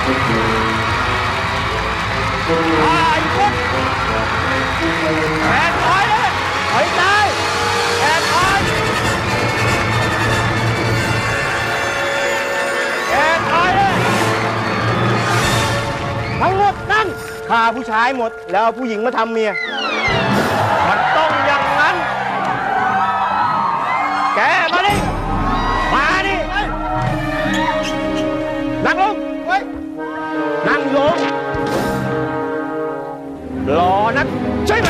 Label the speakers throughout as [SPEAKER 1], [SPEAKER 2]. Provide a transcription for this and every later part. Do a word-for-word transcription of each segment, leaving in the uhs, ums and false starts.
[SPEAKER 1] ไอ้คนแขนถอยเลยถอยตายแขนถอยแขนถอยเลยทั้งหมดนั่นฆ่าผู้ชายหมดแล้วผู้หญิงมาทำเมียมันต้องอย่างนั้นแกมาดิมาดินั่งลงนั่งลงรอนักใช่ไหม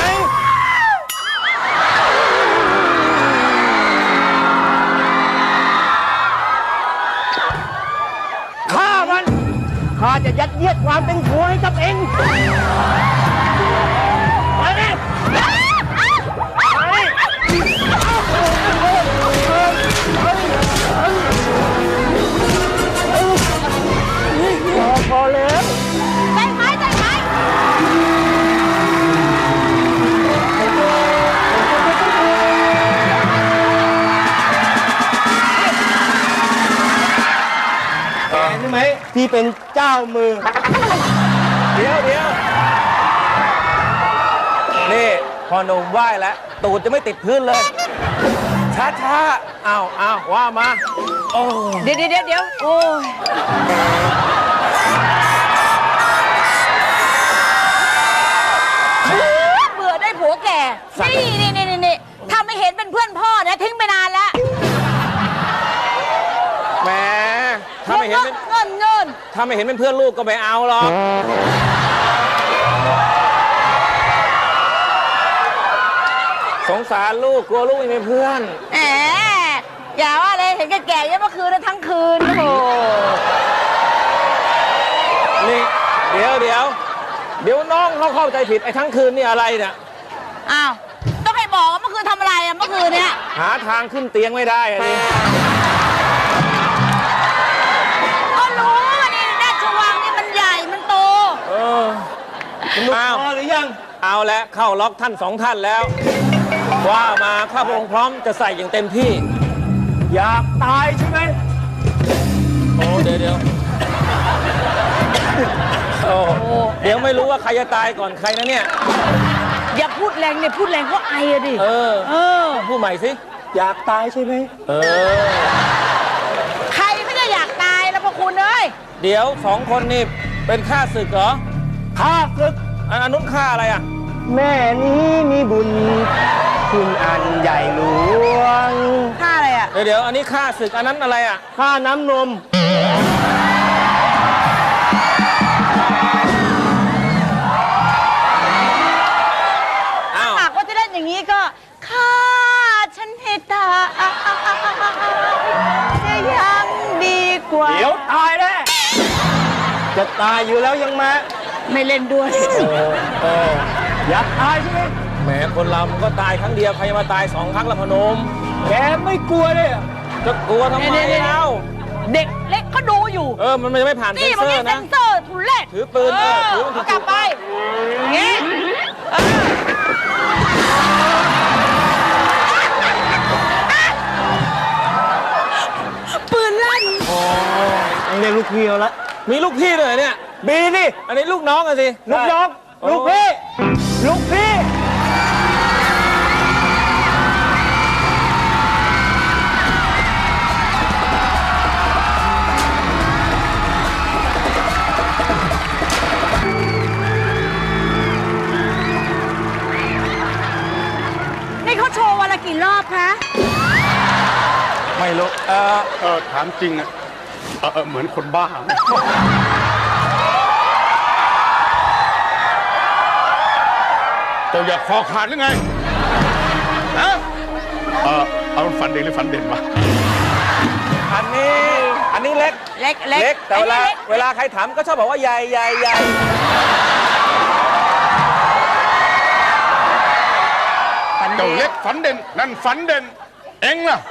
[SPEAKER 1] ข้ามันข้าจะยัดเยียดความเป็นผัวให้กับเองไปดิพอแล้วได้ไหมได้ไหมแกใช่ไหมที่เป็นเจ้ามือเดี๋ยวเดี๋ยวนี่พอหนุ่มไหว้แล้วตูดจะไม่ติดพื้นเลยช้าช้าอ้าวอ้าวว่ามาโอ้
[SPEAKER 2] เดี๋ยวเดี๋ยวเดี๋ยวโอ้ยเบื่อได้ผัวแก่นี่นี่นี่นี่ถ้าไม่เห็นเป็นเพื่อนพ่อนะทิ้งไปนานแล้ว
[SPEAKER 1] แหมถ้าไม่เห็นเป็น
[SPEAKER 2] เงินเงิน
[SPEAKER 1] ถ้าไม่เห็นเป็นเพื่อนลูกก็ไม่เอาหรอกสงสารลูกกลัวลูกไม่มีเพื่อน
[SPEAKER 2] แหมอย่าว่าเลยเห็นแก่ๆยังเมื่อคืนนะทั้งคืนโอ้โห
[SPEAKER 1] นี่เดี๋ยวเดี๋ยวเดี๋ยวน้องเขาเข้าใจผิดไอ้ทั้งคืนนี่อะไรเนี่ย
[SPEAKER 2] อ้าวต้องให้บอกว่าเมื่อคืนทำอะไรอะเมื่อคืนเนี่ย
[SPEAKER 1] หาทางขึ้นเตียงไม่ได้อะนี่
[SPEAKER 2] ก็รู้ว่านี่ราชวังนี่มันใหญ่มันโต
[SPEAKER 1] เออคุณดูพอหรือยังเอาแล้วเข้าล็อกท่านสองท่านแล้วว่ามาข้าพระองค์พร้อมจะใส่อย่างเต็มที่อยากตายใช่ไหมโอ้เดี๋ยวเดี๋ยวโอ้เดี๋ยวไม่รู้ว่าใครจะตายก่อนใครนะเนี่ย
[SPEAKER 2] อย่าพูดแรงเนี่ยพูดแรงก็ไออะดิ
[SPEAKER 1] เออ
[SPEAKER 2] เออ
[SPEAKER 1] พูดใหม่สิอยากตายใช่ไหมเออ
[SPEAKER 2] ใครไม่ได้อยากตายแล้วพวกคุณเอ้ย
[SPEAKER 1] เดี๋ยวสองคนนี่เป็นข้าศึกเหรอข้าศึกอันนู้นข้าอะไรอ่ะแม่นี้มีบุญคุณอันใหญ่หลวง
[SPEAKER 2] ข้าอะไรอ่ะ
[SPEAKER 1] เดี๋ยวเดี๋ยวอันนี้ข้าศึกอันนั้นอะไรอ่ะข้าน้ำนม
[SPEAKER 2] ถ้าหากว่าจะเล่นอย่างนี้ก็ข้าฉันให้ตาจะยังดีกว่า
[SPEAKER 1] เดี๋ยวตายแน่จะตายอยู่แล้วยังมา
[SPEAKER 2] ไม่เล่นด้วย
[SPEAKER 1] เอออยากตายใช่ไหมแหมคนเรามันก็ตายครั้งเดียวใครมาตายสองครั้งละพนมแกไม่กลัวเลยจะกลัวทำไมเล่า
[SPEAKER 2] เด็กเล็กก็ดูอยู่
[SPEAKER 1] เออมันจะไม่ผ่านเซ็นเซอร์นะ
[SPEAKER 2] เซ็นเซอร์ทุเรศ
[SPEAKER 1] ถือปืนเออถื
[SPEAKER 2] อกลับไปงี้ปืนลั่น
[SPEAKER 1] อ๋อเรียกลูกพี่เอาละมีลูกพี่เลยเนี่ยบีสิอันนี้ลูกน้องอะสิลูกน้องลูกพี่ลูกพี่
[SPEAKER 2] นี่เขาโชว์วันละกี่รอบคะ
[SPEAKER 1] ไม่รู้เออ
[SPEAKER 3] เออถามจริงอะเออเหมือนคนบ้าเจ้าอยากคอขาดหรือไงฮะเออเอาฝันเด่นหรือฝันเด่นวะ
[SPEAKER 1] อันนี้อันนี้เล็ก
[SPEAKER 2] เล็ก
[SPEAKER 1] เล็กแต่เวลาเวลาใครถามก็ชอบบอกว่าใหญ่ใหญ่ใหญ่
[SPEAKER 3] เจ้าเล็กฝันเด่นนั่นฝันเด่นเอ็งล่ะ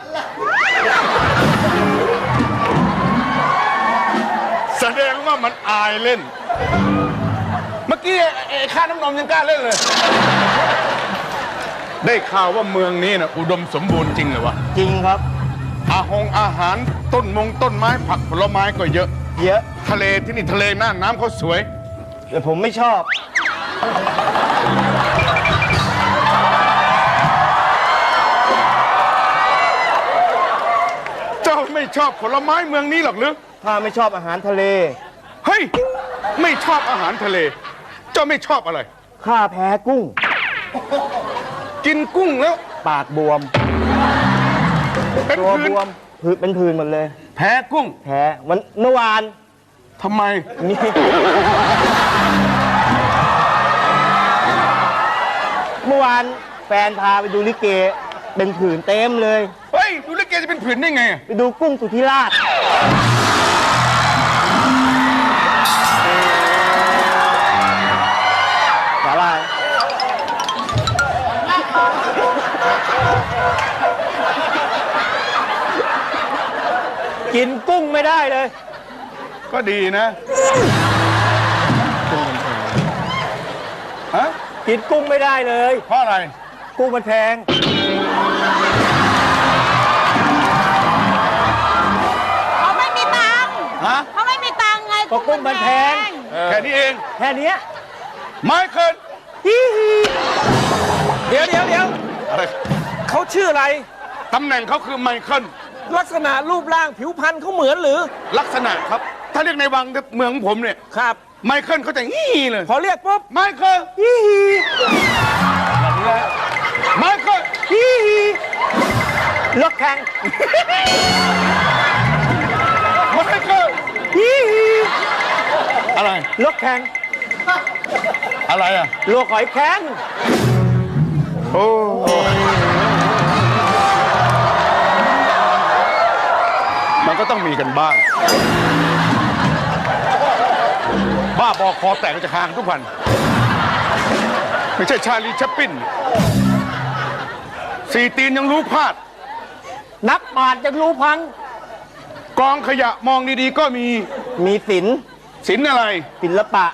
[SPEAKER 3] แสดงว่ามันอายเล่นเมื่อกี้ไอ้ข้าน้ำนมยังกล้าเล่นเลยได้ข่าวว่าเมืองนี้นะอุดมสมบูรณ์จริงเหรอวะ
[SPEAKER 1] จริงครับ
[SPEAKER 3] อาหงอาหารต้นมงต้นไม้ผักผลไม้ก็เยอะ
[SPEAKER 4] เยอะ
[SPEAKER 3] ทะเลที่นี่ทะเลน่านน้ำเขาสวย
[SPEAKER 4] แต่ผมไม่ชอบ
[SPEAKER 3] เจ้าไม่ชอบผลไม้เมืองนี้หรอกหรือ
[SPEAKER 4] ถ้าไม่ชอบอาหารทะเล
[SPEAKER 3] เฮ้ย ไม่ชอบอาหารทะเล เจ้าไม่ชอบอะไร
[SPEAKER 4] ข้าแพ้กุ้ง
[SPEAKER 3] กินกุ้งแล้ว
[SPEAKER 4] ปากบวม
[SPEAKER 3] เป็น
[SPEAKER 4] ตัว
[SPEAKER 3] พื้
[SPEAKER 4] บ
[SPEAKER 3] น
[SPEAKER 4] วมพื้นเป็นพื้นหมดเลย
[SPEAKER 3] แพ้กุ้ง
[SPEAKER 4] แพ้วันเมื่อวาน
[SPEAKER 3] ทำไม
[SPEAKER 4] มีเมื่อวานแฟนพาไปดูลิเก เป็นผื่นเต็มเลย
[SPEAKER 3] เฮ้ย ดูลิเกจะเป็นผื่นได้ไง
[SPEAKER 4] ไปดูกุ้งสุธิราชสาลาย
[SPEAKER 1] กินกุ้งไม่ได้เลย
[SPEAKER 3] ก็ดีนะฮะ
[SPEAKER 1] กินกุ้งไม่ได้เลย
[SPEAKER 3] เพราะอะไร
[SPEAKER 1] กุ้งมันแพง
[SPEAKER 2] เขาไม่มีตังค์
[SPEAKER 3] ฮะ
[SPEAKER 2] เขาไม่มีตังค์ไง
[SPEAKER 1] ก็กุ้งมันแพง
[SPEAKER 3] แค่นี้เอง
[SPEAKER 1] แค่เนี้ย
[SPEAKER 3] ไม่เคิน
[SPEAKER 1] ฮิฮิเดี๋ยวเดี๋ยวเดี๋ยว
[SPEAKER 3] อะไร
[SPEAKER 1] เขาชื่ออะไร
[SPEAKER 3] ตำแหน่งเขาคือไมเคิล
[SPEAKER 1] ลักษณะรูปร่างผิวพรรณเขาเหมือนหรือ
[SPEAKER 3] ลักษณะครับ ถ้าเรียกในวังเมืองของผมเนี่ย
[SPEAKER 1] ครับ
[SPEAKER 3] ไมเคิลเขาจะงี้เลย
[SPEAKER 1] พอเรียกปุ๊บ
[SPEAKER 3] ไมเคิล
[SPEAKER 1] ฮิฮิ
[SPEAKER 3] ไมเคิล
[SPEAKER 1] ฮิฮิรถแข่ง
[SPEAKER 3] ไมเคิล
[SPEAKER 1] ฮิฮิ
[SPEAKER 3] อะไร
[SPEAKER 1] รถแข่ง
[SPEAKER 3] อะไรอ่ะ
[SPEAKER 1] ลวกหอยแข็ง
[SPEAKER 3] โอ้มันก็ต้องมีกันบ้าง บ้าบอคอแตกจะคางทุกวัน ไม่ใช่ชาลีชัปปินสี่ตีนยังรู้พลาด
[SPEAKER 1] นักบาทจะรู้พัง
[SPEAKER 3] กองขยะมองดีๆก็มี
[SPEAKER 4] มีศิลป์
[SPEAKER 3] ศิลป์อะไร
[SPEAKER 4] ศิลปะ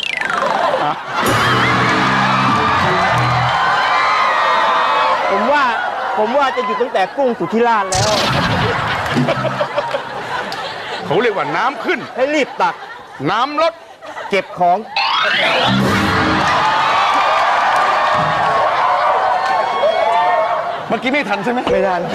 [SPEAKER 4] ผมว่า ผมว่าจะหยุดตั้งแต่กุ้งสุธิราชแล้ว
[SPEAKER 3] เขาเรียกว่าน้ำขึ้น
[SPEAKER 4] ให้รีบตัก
[SPEAKER 3] น้ำลด
[SPEAKER 4] เก็บของ
[SPEAKER 3] เมื่อกี้ไม่ทันใช่ไหม
[SPEAKER 4] ไม่ทัน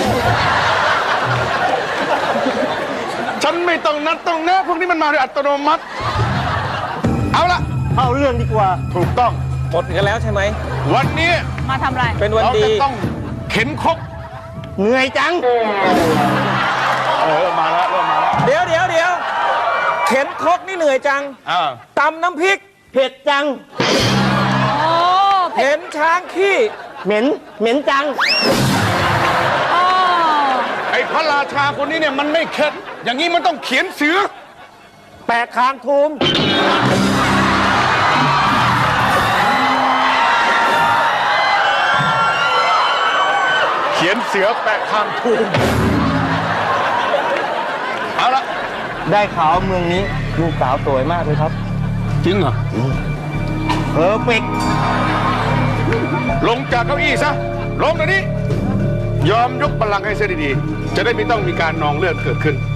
[SPEAKER 3] ฉันไม่ต้องนัดต้องแนะพวกนี้มันมาโดยอัตโนมัติ เอาละ
[SPEAKER 4] เข้าเรื่องดีกว่า
[SPEAKER 3] ถูกต้อง
[SPEAKER 1] หมดกันแล้วใช่ไหม
[SPEAKER 3] วันนี้
[SPEAKER 2] มาทำอะไร
[SPEAKER 1] เป็นวัน
[SPEAKER 3] เรา
[SPEAKER 1] ดี
[SPEAKER 3] จะต้องเข็นครก
[SPEAKER 4] เหนื่อยจัง
[SPEAKER 3] เออมาแล้วเริ่มมาแล้ว
[SPEAKER 1] เดี๋ยวเดี๋ยวเดี๋ยวเข็นครกนี่เหนื่อยจัง
[SPEAKER 3] อ่า
[SPEAKER 1] ตำน้ำพริก
[SPEAKER 4] เผ็ดจัง
[SPEAKER 2] โอ้
[SPEAKER 1] เห็นช้างขี้
[SPEAKER 4] เหม็น เหม็นจัง
[SPEAKER 2] โอ้
[SPEAKER 3] ไอ้พระราชาคนนี้เนี่ยมันไม่เข็ดอย่างนี้มันต้องเขียนเสือ
[SPEAKER 1] แปะคางทูม
[SPEAKER 3] เขียนเสือแปะข้างทุ่งเอาละ
[SPEAKER 4] ได้ข่าวว่าเมืองนี้ลูกสาวสวยมากเลยครับ
[SPEAKER 3] จริงเหรอ
[SPEAKER 4] เพอร์เฟก
[SPEAKER 3] ลงจากเก้าอี้ซะ ลงเดี๋ยวนี้ ยอมยกบัลลังก์ให้เสียดีๆ จะได้ไม่ต้องมีการนองเลือดเกิดขึ้น